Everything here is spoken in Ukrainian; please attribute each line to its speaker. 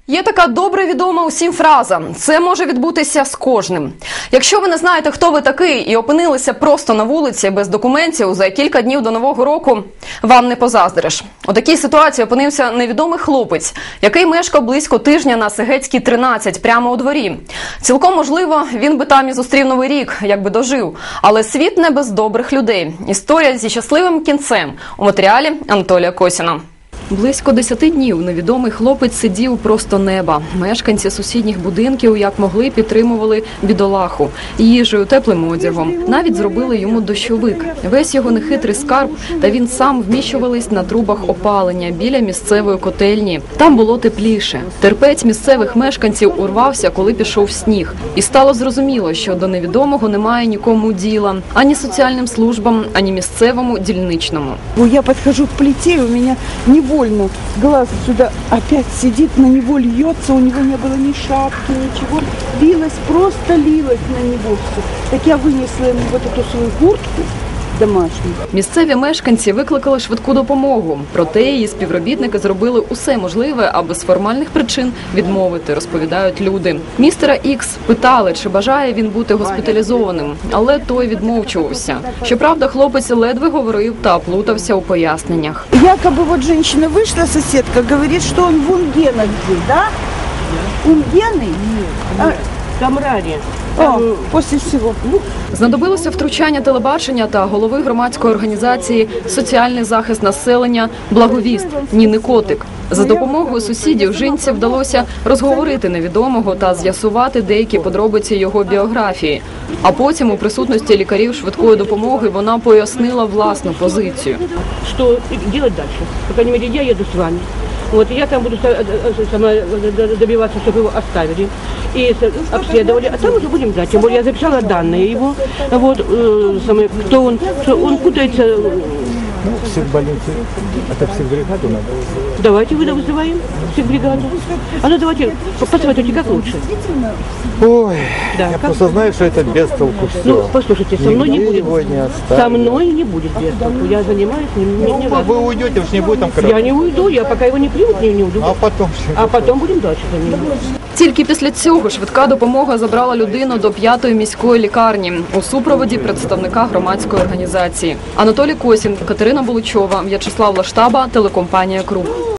Speaker 1: Є така добре відома усім фраза «це може відбутися з кожним». Якщо ви не знаєте, хто ви такий і опинилися просто на вулиці без документів за кілька днів до Нового року, вам не позаздриш. У такій ситуації опинився невідомий хлопець, який мешкав близько тижня на Сегецькій, 13, прямо у дворі. Цілком можливо, він би там і зустрів Новий рік, якби дожив. Але світ не без добрих людей. Історія зі щасливим кінцем у матеріалі Анатолія Косіна. Близько 10 днів невідомий хлопець сидів просто неба. Мешканці сусідніх будинків, як могли, підтримували бідолаху їжею, теплим одягом. Навіть зробили йому дощовик. Весь його нехитрий скарб та він сам вміщувались на трубах опалення біля місцевої котельні. Там було тепліше. Терпець місцевих мешканців урвався, коли пішов сніг. І стало зрозуміло, що до невідомого немає нікому діла. Ані соціальним службам, ані місцевому дільничному.
Speaker 2: Я підходжу к плиті, і у мене невольно глаз сюда опять сидит, на него льется, у него не было ни шапки, ничего. Лилось, просто лилось на него все. Так я вынесла ему вот эту свою куртку домашню.
Speaker 1: Місцеві мешканці викликали швидку допомогу. Проте її співробітники зробили усе можливе, аби з формальних причин відмовити, розповідають люди. Містера Ікс питали, чи бажає він бути госпіталізованим, але той відмовчувався. Щоправда, хлопець ледве говорив та плутався у поясненнях.
Speaker 2: Якобы вот женщина вышла, соседка, говорит, что он в Унгенах здесь, да? Унгены?
Speaker 3: Камраді.
Speaker 2: После всего.
Speaker 1: Знадобилося втручання телебачення та голови громадської організації «Соціальний захист населення» «Благовіст» Ніни Котик. За допомогою сусідів жінці вдалося розговорити невідомого та з'ясувати деякі подробиці його біографії. А потім у присутності лікарів швидкої допомоги вона пояснила власну позицію.
Speaker 3: Що робити далі? По крайней мере, я їду з вами. Вот, я там буду добиваться, чтобы его оставили и обследовали, а там уже будем знать. Тем более я записала данные его, вот, кто он, что он путается.
Speaker 4: Психбольницы, это психбригаду надо вызывать.
Speaker 3: Давайте вызываем психбригаду. А ну давайте, посоветуйте, как лучше.
Speaker 4: Ой,
Speaker 3: да,
Speaker 4: я
Speaker 3: как?
Speaker 4: просто знаю, что это без толку все.
Speaker 3: Ну, послушайте, со мной не будет.
Speaker 4: Его не оставят.
Speaker 3: Со мной не будет без толку. Я занимаюсь, не
Speaker 4: Вы уйдете, уж не будет там кровати.
Speaker 3: Я не уйду, я пока его не примут, не уйду. А потом будем дальше заниматься.
Speaker 1: Тільки після цього швидка допомога забрала людину до 5-ї міської лікарні у супроводі представника громадської організації. Анатолій Косін, Катерина Буличова, В'ячеслав Лаштаба, телекомпанія «Круг».